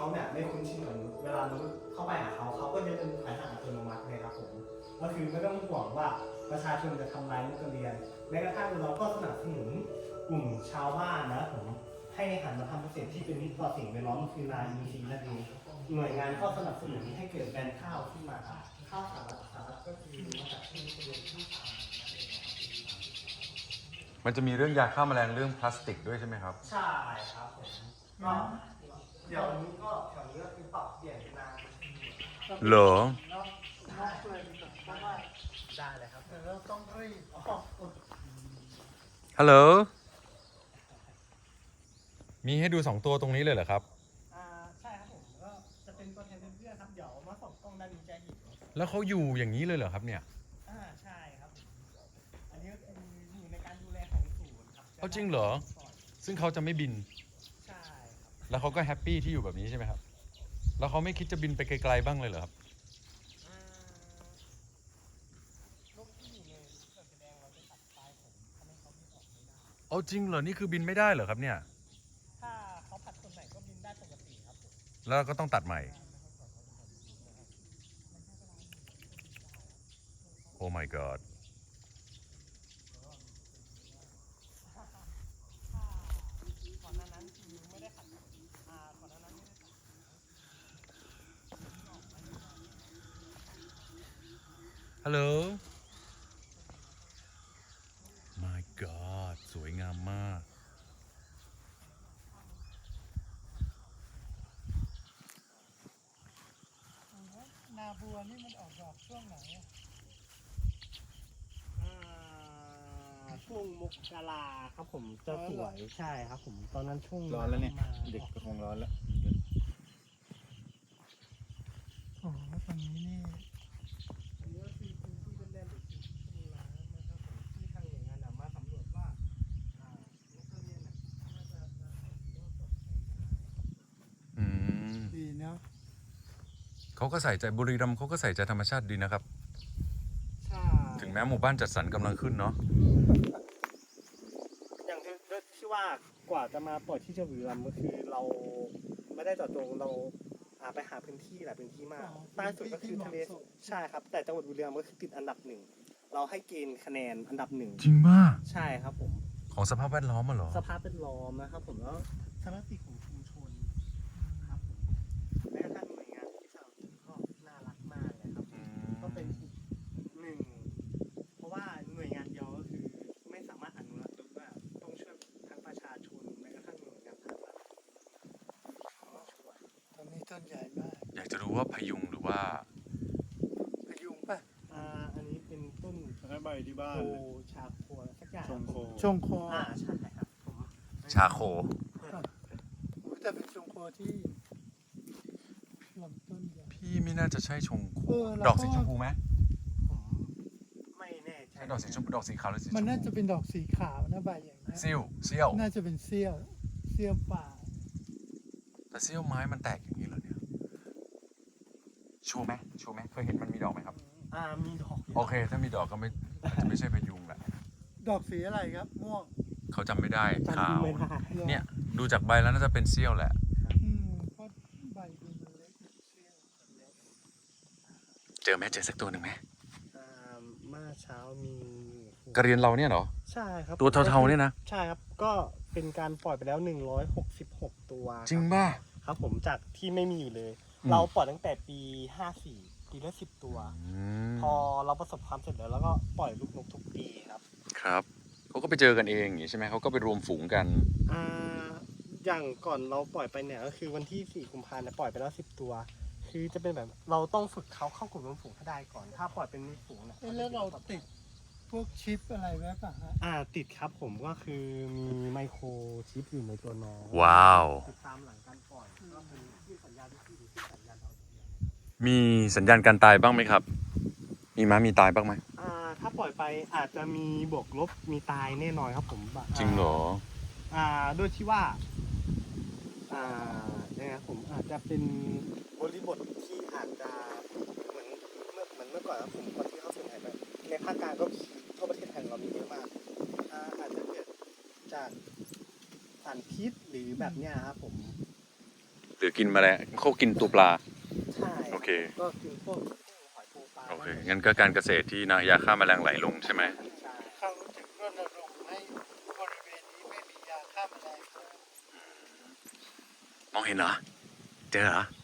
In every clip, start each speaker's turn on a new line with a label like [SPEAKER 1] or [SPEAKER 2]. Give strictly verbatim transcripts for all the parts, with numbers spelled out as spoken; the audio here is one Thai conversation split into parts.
[SPEAKER 1] เขาเนี่ยไม่คุ้นชินเหมือนเวลามนุษย์เข้าไปหาเขาเขาก็จะเดินถอยห่างอัตโนมัติเลยครับผมก็คือไม่ต้องห่วงว่าประชาชนจะทำลายนักเรียนแม้กระทั่งเราก็สนับสนุนกลุ่มชาวบ้านนะผมให้หันมาทำเกษตรที่เป็นมิตรต่อสิ่งแวดล้อมคือนาอินทรีย์นั่นเองหน่วยงานก็สนับสนุนให้เกิดแบรนด์ข้าวขึ้นมาครับข้าวสารัฐสารัฐก็คือมาจากที่นี่เป็นที่สาม
[SPEAKER 2] มันจะมีเรื่องยาฆ่าแมลงเรื่องพลาสติกด้วยใช่ไหมครับ
[SPEAKER 1] ใช่ครับผมก็เดี๋ยวนี้ก็แถวนี้ก็คือปรับเปลี่ยนเป็นนา
[SPEAKER 2] เหรอ
[SPEAKER 1] ได้เลยครับเราต้องรีบ
[SPEAKER 2] ฮัลโหลมีให้ดูสองตัวตรงนี้เลยเหรอครับ
[SPEAKER 1] อ่าใช่ครับผมก็จะเป็นตัวแทนเพื่อนๆครับเดี๋ยวมาส่งกล้องด้านนี้จะเห็น
[SPEAKER 2] แล้วเขาอยู่อย่างนี้เลยเหรอครับเนี่ย
[SPEAKER 1] อ่าใช่ครับอันนี้ก็คืออยู่ในการดูแลของศูนย์ครับ
[SPEAKER 2] เอาจริงเหรอซึ่งเขาจะไม่บิน
[SPEAKER 1] ใช่ครับ
[SPEAKER 2] แล้วเขาก็แฮปปี้ที่อยู่แบบนี้ใช่ไหมครับแล้วเขาไม่คิดจะบินไปไกลๆบ้างเลยเหรอครับ
[SPEAKER 1] นกที่อยู่ในเขื่อนแสดงเราจะตัดปลายผมทำให้เขาบินออกไม่ได้
[SPEAKER 2] เอาจริงเหรอนี่คือบินไม่ได้เหรอครับเนี่ย
[SPEAKER 1] ถ้าเขาผัดคนไหนก็บินได้ปกติครับผม
[SPEAKER 2] แล้วก็ต้องตัดใหม่โอ้ my god
[SPEAKER 1] ก่อนหน้านั้นคือไม่ได้ขัดอ่าก่อนหน้านั้นไม่ได้ขัด
[SPEAKER 2] ฮัลโหล my god สวยงามมาก
[SPEAKER 1] นาบัวนี่มันออกดอกช่วงไหนช่วงมกราครับผมจะสวยใช่ครับผมตอนนั้นช่วง
[SPEAKER 3] ร้อนแล้วเนี่ยเด็กก็คงร้อนแล้ว
[SPEAKER 1] โอ้ตอนนี้นี่อันนี้ก็คือพื้นที่เล่นๆหรือพื้นที่น้ำนะครับผมที่ทางหน่วยงานมาสำรวจว่าอ่านักเรียนน่ะน่าจะจะรอดปลอดภัย
[SPEAKER 2] อืม
[SPEAKER 1] ดีเนาะ
[SPEAKER 2] เขาก็ใส่ใจบุรีรัมย์เขาก็ใส่ใจธรรมชาติดีนะครับถึงแม้หมู่บ้านจัดสรรกำลังขึ้นเนาะ
[SPEAKER 1] อย่างที่ที่ว่ากว่าจะมาปล่อยที่จังหวัดบุรีรัมย์ก็คือเราไม่ได้เจาะจงเราไปหาพื้นที่หลายพื้นที่มากใต้สุดก็คือทะเลใช่ครับแต่จังหวัดบุรีรัมย์ก็คือติดอันดับหนึ่งเราให้เกณฑ์คะแนนอันดับหนึ่ง
[SPEAKER 2] จริงมาก
[SPEAKER 1] ใช่ครับผม
[SPEAKER 2] ของสภาพแวดล้อมมาหรอ
[SPEAKER 1] สภาพแวดล้อมนะครับผมแล้วสมาชิกของชุมชนครับผมแม้กระทั่งหน่วยงานที่สนับสนุนก็น่ารักมากเลยครับก็เป็นอีกหนึ่งเพราะว่าหน่วยงานเดียวก็คือไม่สามารถอนุรักษ์ต้นได้ต้องช่วยทั้งประชาชนแม้กระทั่งหน่วยงานภาครัฐตอนนี้ต้นใหญ่มาก
[SPEAKER 2] อยากจะรู้ว่าพยุงหรือว่า
[SPEAKER 1] พยุงป่ะอ่าอันนี้เป็นต้น
[SPEAKER 3] ใบที่บ้าน
[SPEAKER 1] โคชาโคสักอย่าง
[SPEAKER 3] ชงโค
[SPEAKER 1] ชงโคอ่าใช่ครับผม
[SPEAKER 2] ชาโค
[SPEAKER 1] แต่เป็นชงโคที่ลำต้นใหญ่
[SPEAKER 2] พี่ไม่น่าจะใช่ชงโคดอกสีชมพูไหม
[SPEAKER 1] ไม่แน่ใจ
[SPEAKER 2] ใช่ดอกสีชมพูดอกสีขาวหรือสีชมพู
[SPEAKER 4] มันน่าจะเป็นดอกสีขาวนะใบอย่างนี้
[SPEAKER 2] เซี่ยวเซี่ยว
[SPEAKER 4] น่าจะเป็นเซี่ยวเซี่ยวป่า
[SPEAKER 2] แต่เซี่ยวไม้มันแตกอย่างนี้เหรอเนี่ยชัวร์ไหมชัวร์ไหมเคยเห็นมันมีดอกไหมครับ
[SPEAKER 1] อ่ามีดอก
[SPEAKER 2] โอเคถ้ามีดอกก็ไม่จะไม่ใช่พยุงแหละ
[SPEAKER 4] ดอกสีอะไรครับม่วง
[SPEAKER 2] เขาจำไม่ได้ขาว
[SPEAKER 1] ไม่ได้
[SPEAKER 2] เนี่ยดูจากใบแล้วน่าจะเป็นเซี่ยวแหละ
[SPEAKER 4] อืมเพราะใบดูมันเล็กเซี่ยว
[SPEAKER 2] เจอไหมเจอสักตัวหนึ่งไหม
[SPEAKER 1] อ่าเมื่อเช้ามี
[SPEAKER 2] กระเรียนเราเนี่ยเหรอ
[SPEAKER 1] ใช่ครับ
[SPEAKER 2] ตัวเทาๆเนี่ยนะ
[SPEAKER 1] ใช่ครับก็เป็นการปล่อยไปแล้วหนึ่งร้อยหกสิบหกตัว
[SPEAKER 2] จริงป่ะ
[SPEAKER 1] ครับผมจากที่ไม่มีอยู่เลยเราปล่อยตั้งแต่ปีห้าสี่ปีละสิบตัวพอเราประสบความสำเร็จแล้วแล้วก็ปล่อยลูกนกทุกปีครับ
[SPEAKER 2] ครับเขาก็ไปเจอกันเองอย่างนี้ใช่ไหมเขาก็ไปรวมฝูงกัน
[SPEAKER 1] อ่าอย่างก่อนเราปล่อยไปเนี่ยก็คือวันที่สี่กุมภาพันธ์เนี่ยปล่อยไปแล้วสิบตัวคือจะเป็นแบบเราต้องฝึกเขาเข้ากลุ่มรวมฝูงให้ได้ก่อนถ้าปล่อยเป็นฝูงเนี่ย
[SPEAKER 4] แล้วเราติดพวกชิปอะไรไว้ป่ะฮะ
[SPEAKER 1] อ่าติดครับผมก็คือมีไมโครชิปอยู่ในตัวน้อง
[SPEAKER 2] ว้าว
[SPEAKER 1] ติดตามหลังการปล่อยก็คือที่สัญญาณที่ที่สัญญาณดาวเทียม
[SPEAKER 2] มีสัญญาณการตายบ้างไหมครับมีม้ามีตายบ้างไหม
[SPEAKER 1] อ่าถ้าปล่อยไปอาจจะมีบวกลบมีตายแน่นอนครับผม
[SPEAKER 2] จริงเหรอ
[SPEAKER 1] อ่าด้วยที่ว่าอ่าเนี่ยผมอาจจะเป็นบริบทที่อาจจะเหมือนเมื่อเหมือนเมื่อก่อนครับผมก่อนที่เขาสูญหายไปในภาคกลางก็ทั่วประเทศไทยเรามีเยอะมากอ่าอาจจะเกิดจากสารพิษหรือแบบเนี้ยครับผม
[SPEAKER 2] หรือกินแมลงเขากินตัวปลา
[SPEAKER 1] ใช่
[SPEAKER 2] โอเค
[SPEAKER 1] ก็กินพวกหอยปูปลา
[SPEAKER 2] โอเค งั้นก็การเกษตรที่นะยาฆ่าแมลงไหลลงใช่ไหม
[SPEAKER 1] ใช่
[SPEAKER 4] เขาจึงรณรงค์ให้บริเวณนี้ไม่มียาฆ่าแมลงเลย
[SPEAKER 2] มองเห็นเหรอ เจอเหรอ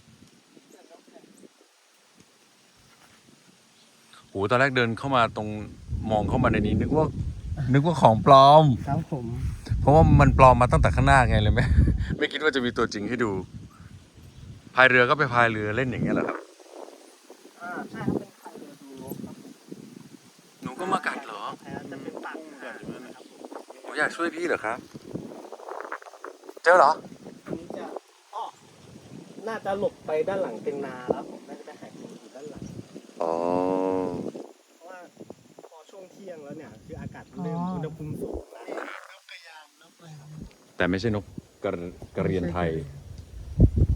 [SPEAKER 2] โหตอนแรกเดินเข้ามาตรงมองเข้ามาในนี้นึกว่า นึกว่าของปลอม
[SPEAKER 1] ครับผม
[SPEAKER 2] เพราะว่ามันปลอมมาตั้งแต่ข้างหน้าไงเลยไม่ ไม่คิดว่าจะมีตัวจริงให้ดู พายเรือก็ไปพายเรือเล่นอย่างเงี้ยเหรอครับ
[SPEAKER 1] อ่าใช่ครับเป็นไข่เรือดูนกครับ
[SPEAKER 2] หนูก็มากัดเหรอ
[SPEAKER 1] แพ้จะเป็นปากหางนะครับผม
[SPEAKER 2] หนูอยากช่วยพี่เหรอครับ เจอเหรอ
[SPEAKER 1] อันนี้จะอ้อน่าจะหลบไปด้านหลังเป็นนาแล้วผมน่าจะไปหากินอยู่ด้านหลัง
[SPEAKER 2] อ๋อ
[SPEAKER 1] เพราะว่าพอช่วงเที่ยงแล้วเนี่ยคืออากาศเริ่มอุณหภูมิสูงแล้ว
[SPEAKER 4] นกกระยางนกอะไร
[SPEAKER 2] แต่ไม่ใช่นกกระกระเรียนไทย
[SPEAKER 4] ไม่ใช่